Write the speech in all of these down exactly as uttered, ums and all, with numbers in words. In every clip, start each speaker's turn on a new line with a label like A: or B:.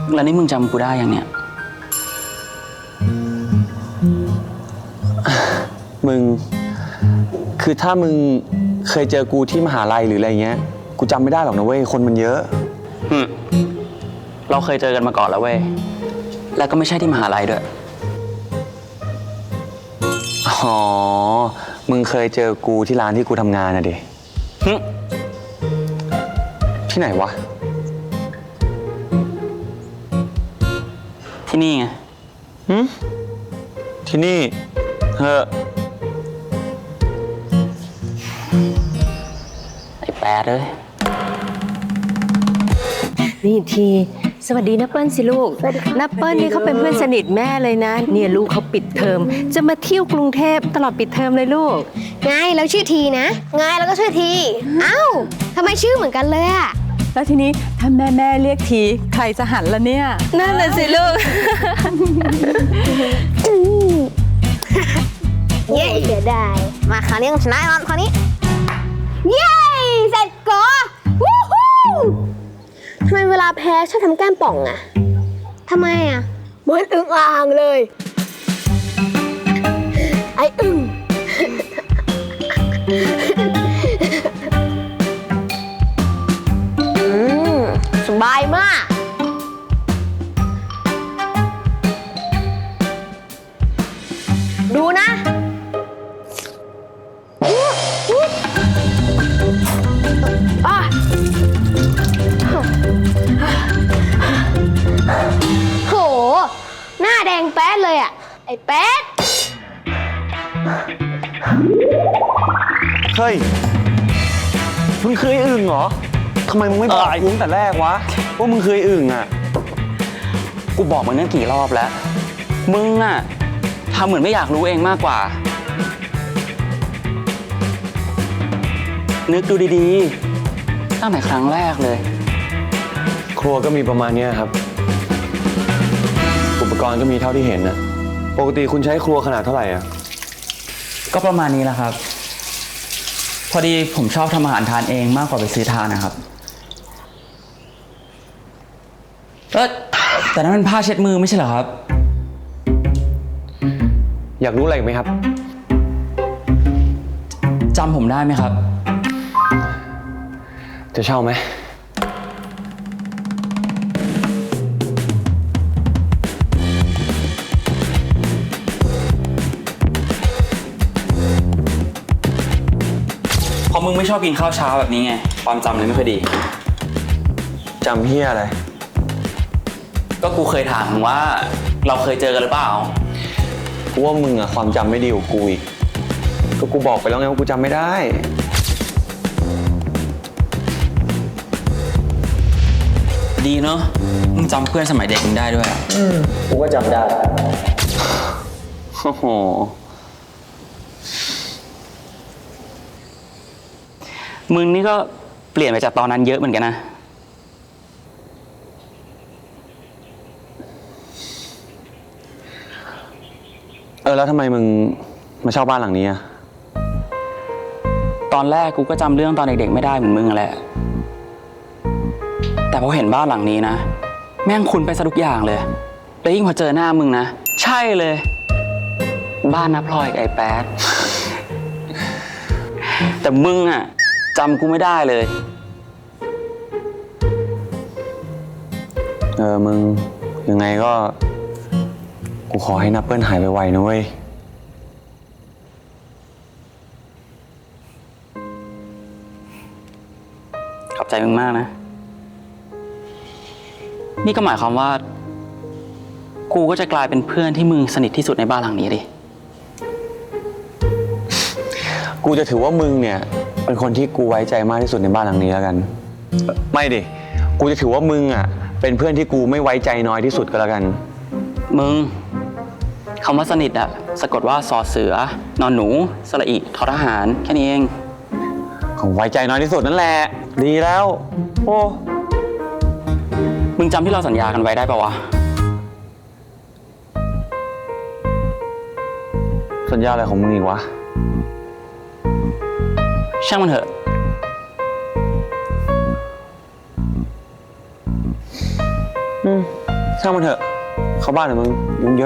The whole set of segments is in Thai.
A: แล้วนี่มึงจำกูได้ยังเนี่ย
B: มึงคือถ้ามึงเคยเจอกูที่มหาลัยหรืออะไรเงี้ยกูจำไม่ได้หรอกนะเว้ยคนมันเยอะ
A: อืมเราเคยเจอกันมาก่อนแล้วเว้ยแล้วก็ไม่ใช่ที่มหาลัยด้วย
B: อ๋อมึงเคยเจอกูที่ร้านที่กูทำงานนะดิที่ไหนวะ
A: ที่นี่ไง
B: หืมที่นี่เฮ้อ
A: ไอ้แปดเลย
C: นี่ทีสวัสดีนะเปิ้ลสิลูกนะเปิ้ลนี่เขาเป็นเพื่อนสนิทแม่เลยนะเนี่ยลูกเขาปิดเทอมจะมาเที่ยวกรุงเทพตลอดปิดเทอมเลยลูก
D: ไงแล้วชื่อทีนะไงแล้วก็ชื่อทีเอ้าทำไมชื่อเหมือนกันเลยอะ
E: แล้วทีนี้ถ้าแม่แม่เรียกทีใครจะหันละเนี่ย
C: นั่นแหละสิลูก
D: เย้เสียดายมาคราวนี้ชนะแล้วคราวนี้เย้เสร็จก่อวู้ฮู้ทำไมเวลาแพ้ชอบทำแก้มป่องอะทำไมอะเหมือนอึ่งอ่างเลยไอ้อึ่งสบายมากดูนะอ่ะโหหน้าแดงแป๊ดเลยอ่ะไอ้แป๊ด
B: เฮ้ยมึงเคยอึ่งเหรอทำไมมึงไม่บอกกูตั้งแต่แรกวะว่ามึงเคยอึ่งอ่ะ
A: กูบอกมึงนั่นกี่รอบแล้วมึงอ่ะทำเหมือนไม่อยากรู้เองมากกว่านึกดูดีๆตั้งแต่ครั้งแรกเลย
B: ครัวก็มีประมาณนี้ครับอุปกรณ์ก็มีเท่าที่เห็นนะปกติคุณใช้ครัวขนาดเท่าไหร่อ่ะ
A: ก็ประมาณนี้แหละครับพอดีผมชอบทำอาหารทานเองมากกว่าไปซื้อทานนะครับเออแต่นั้นเป็นผ้าเช็ดมือไม่ใช่เหรอครับ
B: อยากรู้อะไรไหมครับ
A: จำผมได้ไหมครับ
B: จะเช่าไหม
A: พอมึงไม่ชอบกินข้าวเช้าแบบนี้ไงความจำเลยไม่ค่อยดี
B: จำเฮียอะไร
A: ก็กูเคยถามมึงว่าเราเคยเจอกันหรือเปล่า
B: กูว่ามึงอะความจำไม่ดีกว่ากูอีกก็กูบอกไปแล้วไงว่ากูจำไม่ได้
A: ดีเนอะมึงจำเพื่อนสมัยเด็กมึงได้ด้วยอืมกูก็จำได้
B: โอ้โห
A: มึงนี่ก็เปลี่ยนไปจากตอนนั้นเยอะเหมือนกันนะ
B: เออแล้วทำไมมึงมาเช่าบ้านหลังนี้อะ
A: ตอนแรกกูก็จำเรื่องตอนเด็กๆไม่ได้เหมือนมึงแหละแต่พอเห็นบ้านหลังนี้นะแม่งคุ้นไปซะทุกอย่างเลยแล้วยิ่งพอเจอหน้ามึงนะใช่เลยบ้านน้าพลอยกับไอ้แป๊ดแต่มึงอะจำกูไม่ได้เลย
B: เออมึงยังไงก็กูขอให้นับเปิ้ลหายไวๆนะเว้ย
A: ขอบใจมึงมากนะนี่ก็หมายความว่ากูก็จะกลายเป็นเพื่อนที่มึงสนิทที่สุดในบ้านหลังนี้ดิ
B: กูจะถือว่ามึงเนี่ยเป็นคนที่กูไว้ใจมากที่สุดในบ้านหลังนี้แล้วกันไม่ดิกูจะถือว่ามึงอ่ะเป็นเพื่อนที่กูไม่ไว้ใจน้อยที่สุดก็แล้วกัน
A: มึงคำว่าสนิทอะสะกดว่าสอเสือนอนหนูสระอิทอทหารแค่นี้เอง
B: ของไว้ใจน้อยที่สุดนั่นแหละดีแล้วโอ้
A: มึงจำที่เราสัญญากันไว้ได้ปะวะ
B: สัญญาอะไรของมึงอีกวะ
A: ช่างมันเถอะ
B: อืมช่างมันเถอะ เข้าบ้านเถอะมึงยุ่งเยอะ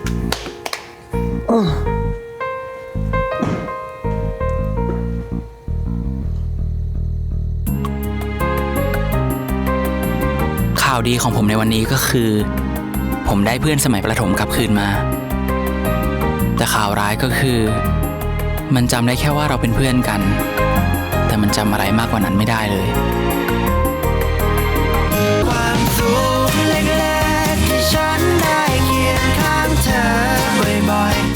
A: ข่าวดีของผมในวันนี้ก็คือ ผมได้เพื่อนสมัยประถมกลับคืนมา แต่ข่าวร้ายก็คือ มันจำได้แค่ว่าเราเป็นเพื่อนกัน แต่มันจำอะไรมากกว่านั้นไม่ได้เลย